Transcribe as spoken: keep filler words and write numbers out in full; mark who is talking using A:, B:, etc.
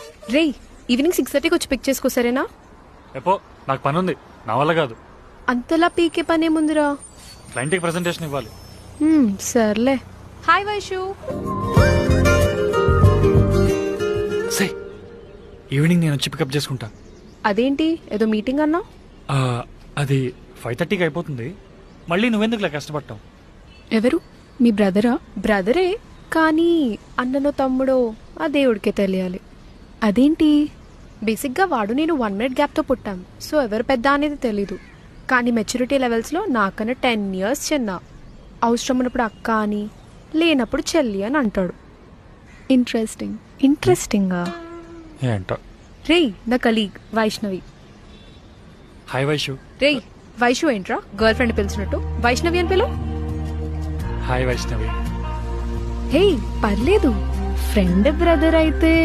A: రేయ్ evening six థర్టీకి వచ్చి పిక్ చేసుకో సరేనా?
B: ఎపో నాకు పని ఉంది, నా వల్ల కాదు.
A: అంతలా పీకే పనేముందిరా?
B: క్లయింట్కి ప్రెజెంటేషన్ ఇవ్వాలి.
A: హ్మ్, సర్లే. హాయ్ వైషు.
B: సే ఈవినింగ్ నేను వచ్చి పికప్ చేసుకుంటా.
A: అదేంటి ఏదో మీటింగ్ అన్నా?
B: ఆ, అది ఫైవ్ థర్టీకి అయిపోతుంది. మళ్ళీ నువ్వెందుకులా కష్టపడతావు?
A: ఎవరు? మీ బ్రదరా? బ్రదరే, కానీ అన్ననో తమ్ముడో ఆ దేవుడికే తెలియాలి. అదేంటి? బేసిక్గా వాడు నేను వన్ మినిట్ గ్యాప్తో పుట్టాం, సో ఎవరు పెద్ద అనేది తెలీదు. కానీ మెచ్యూరిటీ లెవెల్స్లో నాకన్నా టెన్ ఇయర్స్ చిన్న. అవసరం ఉన్నప్పుడు అక్క అని, లేనప్పుడు చెల్లి అని అంటాడు. ఇంట్రెస్టింగ్. ఇంట్రెస్టింగా?
B: ఏంటో.
A: రేయ్ నా కలీగ్ వైష్ణవి.
B: హాయ్ వైషు.
A: రేయ్ వైషు ఏంట్రా గర్ల్ ఫ్రెండ్ పిలిచినట్టు? వైష్ణవి అని పిలు.
B: హాయ్ వైష్ణవి.
A: హే పర్లేదు, ఫ్రెండ్ బ్రదర్ అయితే